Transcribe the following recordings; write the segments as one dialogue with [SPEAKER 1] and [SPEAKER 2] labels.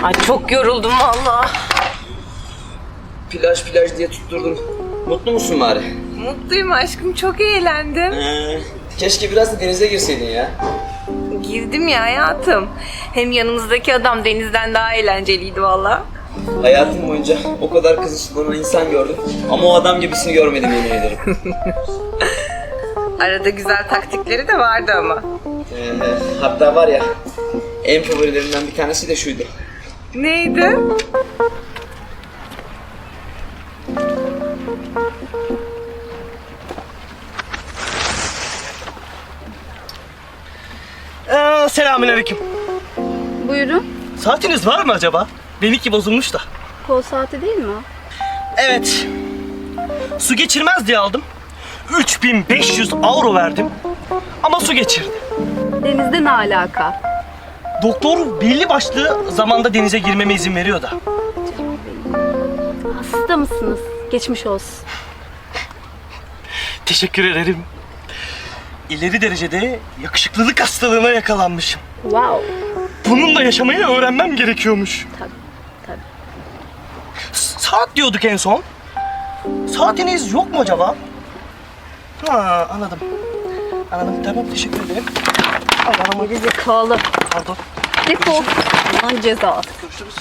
[SPEAKER 1] Ay çok yoruldum vallahi.
[SPEAKER 2] Plaj diye tutturdum. Mutlu musun bari?
[SPEAKER 1] Mutluyum aşkım, çok eğlendim.
[SPEAKER 2] Keşke biraz da denize girseydin ya.
[SPEAKER 1] Girdim ya hayatım. Hem yanımızdaki adam Deniz'den daha eğlenceliydi vallahi.
[SPEAKER 2] Hayatım boyunca o kadar kızışlanan insan gördüm. Ama o adam gibisini görmedim, yemin ederim.
[SPEAKER 1] Arada güzel taktikleri de vardı ama.
[SPEAKER 2] Hatta var ya, en favorilerinden bir tanesi de şuydu.
[SPEAKER 1] Neydi?
[SPEAKER 3] Selamünaleyküm.
[SPEAKER 4] Buyurun.
[SPEAKER 3] Saatiniz var mı acaba? Benimki bozulmuş da.
[SPEAKER 4] Kol saati değil mi o?
[SPEAKER 3] Evet. Su geçirmez diye aldım. 3500 euro verdim. Ama su geçirdi.
[SPEAKER 4] Denizde ne alaka?
[SPEAKER 3] Doktor belli başlı zamanda denize girmeme izin veriyor da.
[SPEAKER 4] Hasta mısınız? Geçmiş olsun.
[SPEAKER 3] Teşekkür ederim. İleri derecede yakışıklılık hastalığına yakalanmışım.
[SPEAKER 4] Wow.
[SPEAKER 3] Bununla yaşamayı öğrenmem gerekiyormuş.
[SPEAKER 4] Tabii.
[SPEAKER 3] Saat diyorduk en son. Saatiniz yok mu acaba? Ha, anladım. Anladım, tamam, teşekkür ederim. Allah'ım.
[SPEAKER 4] Geri zekalı.
[SPEAKER 3] Pardon.
[SPEAKER 4] Defol. Lan ceza.
[SPEAKER 3] Görüşürüz.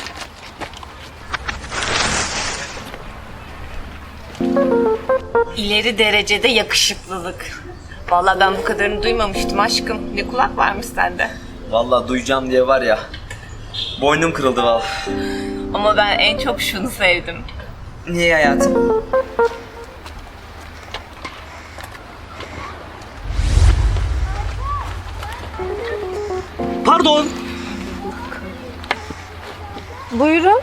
[SPEAKER 1] İleri derecede yakışıklılık. Vallahi ben bu kadarını duymamıştım aşkım. Ne kulak varmış sende.
[SPEAKER 2] Vallahi duyacağım diye var ya, boynum kırıldı vallahi.
[SPEAKER 1] Ama ben en çok şunu sevdim.
[SPEAKER 2] Niye hayatım?
[SPEAKER 3] Pardon.
[SPEAKER 4] Buyurun.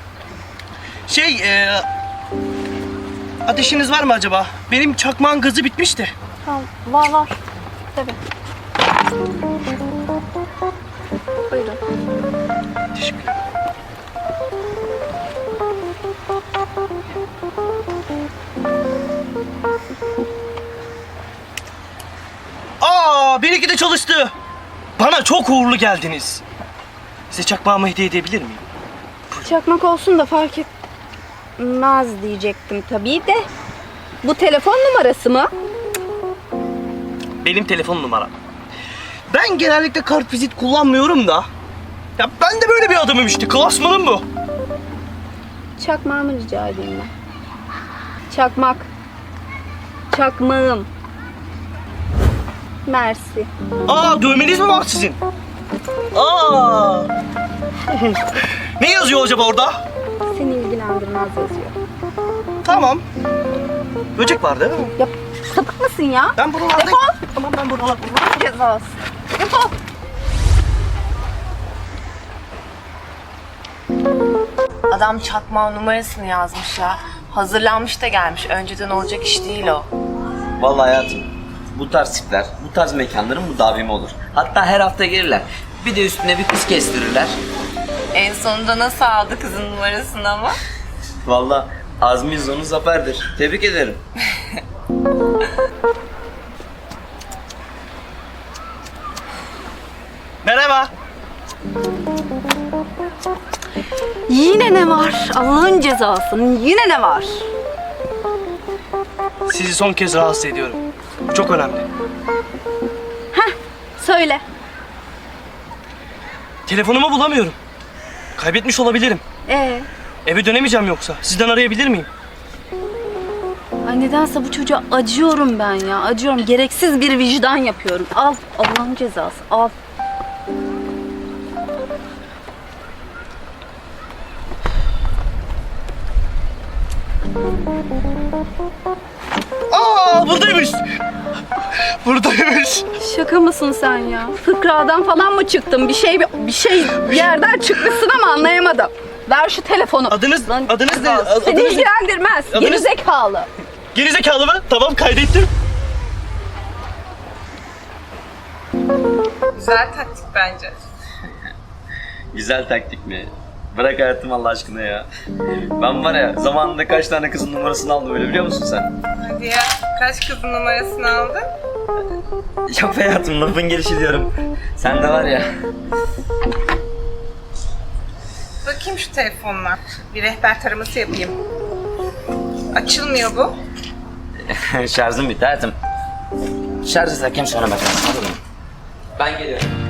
[SPEAKER 3] Ateşiniz var mı acaba? Benim çakmağın gazı bitmişti.
[SPEAKER 4] Tamam. Var. Tabii. Buyurun.
[SPEAKER 3] Teşekkür ederim. Benimki de çalıştı. Bana çok uğurlu geldiniz. Size çakmağımı hediye edebilir miyim?
[SPEAKER 4] Çakmak olsun da fark etmez diyecektim tabii de. Bu telefon numarası mı?
[SPEAKER 3] Benim telefon numaram. Ben genellikle kartvizit kullanmıyorum da. Ya ben de böyle bir adamım işte. Klasmanım bu.
[SPEAKER 4] Çakmağımı rica edeyim ben. Çakmak. Çakmağım. Mersi.
[SPEAKER 3] Dövmeniz mi var sizin? Ne yazıyor acaba orada?
[SPEAKER 4] Seni ilgilendirmez yazıyor.
[SPEAKER 3] Tamam. Böcek var değil mi?
[SPEAKER 4] Ya sapık mısın ya?
[SPEAKER 3] Ben buralarda...
[SPEAKER 4] Defol.
[SPEAKER 3] Tamam, ben buralarda...
[SPEAKER 4] Cezası. Defol.
[SPEAKER 1] Adam çakmağın numarasını yazmış ya. Hazırlanmış da gelmiş. Önceden olacak iş değil o.
[SPEAKER 2] Vallahi hayatım, bu tarz tipler, bu tarz mekanların müdavimi olur. Hatta her hafta gelirler. Bir de üstüne bir kız kestirirler.
[SPEAKER 1] En sonunda nasıl aldı kızın numarasını ama?
[SPEAKER 2] Vallahi azmi sonu zaferdir. Tebrik ederim.
[SPEAKER 3] Merhaba.
[SPEAKER 4] Yine ne var? Allah'ın cezası. Yine ne var?
[SPEAKER 3] Sizi son kez rahatsız ediyorum. Bu çok önemli.
[SPEAKER 4] Söyle.
[SPEAKER 3] Telefonumu bulamıyorum. Kaybetmiş olabilirim. Eve dönemeyeceğim yoksa. Sizden arayabilir miyim?
[SPEAKER 4] Ay nedense bu çocuğa acıyorum ben ya. Acıyorum. Gereksiz bir vicdan yapıyorum. Al. Allah'ın cezası. Al.
[SPEAKER 3] Buradaymış. Buradaymış.
[SPEAKER 4] Şaka mısın sen ya? Fıkradan falan mı çıktın? Bir yerden çıkmışsın ama anlayamadım. Ver şu telefonu.
[SPEAKER 3] Adınız ne?
[SPEAKER 4] Seni ilgilendirmez. Geri zekalı.
[SPEAKER 3] Gerizekalı mı? Tamam, kaydettim.
[SPEAKER 1] Güzel taktik bence.
[SPEAKER 2] Güzel taktik mi? Bırak hayatım Allah aşkına ya. Ben var ya, zamanında kaç tane kızın numarasını aldım öyle, biliyor musun sen?
[SPEAKER 1] Hadi ya. Kaç kızın numarasını aldın?
[SPEAKER 2] Yok hayatım, lafın gelişi diyorum. Sen de var ya.
[SPEAKER 1] Bakayım şu telefonla. Bir rehber taraması yapayım. Açılmıyor bu.
[SPEAKER 2] Şarjım bitti hayatım. Şarjı takayım sonra bakalım. Ben geliyorum.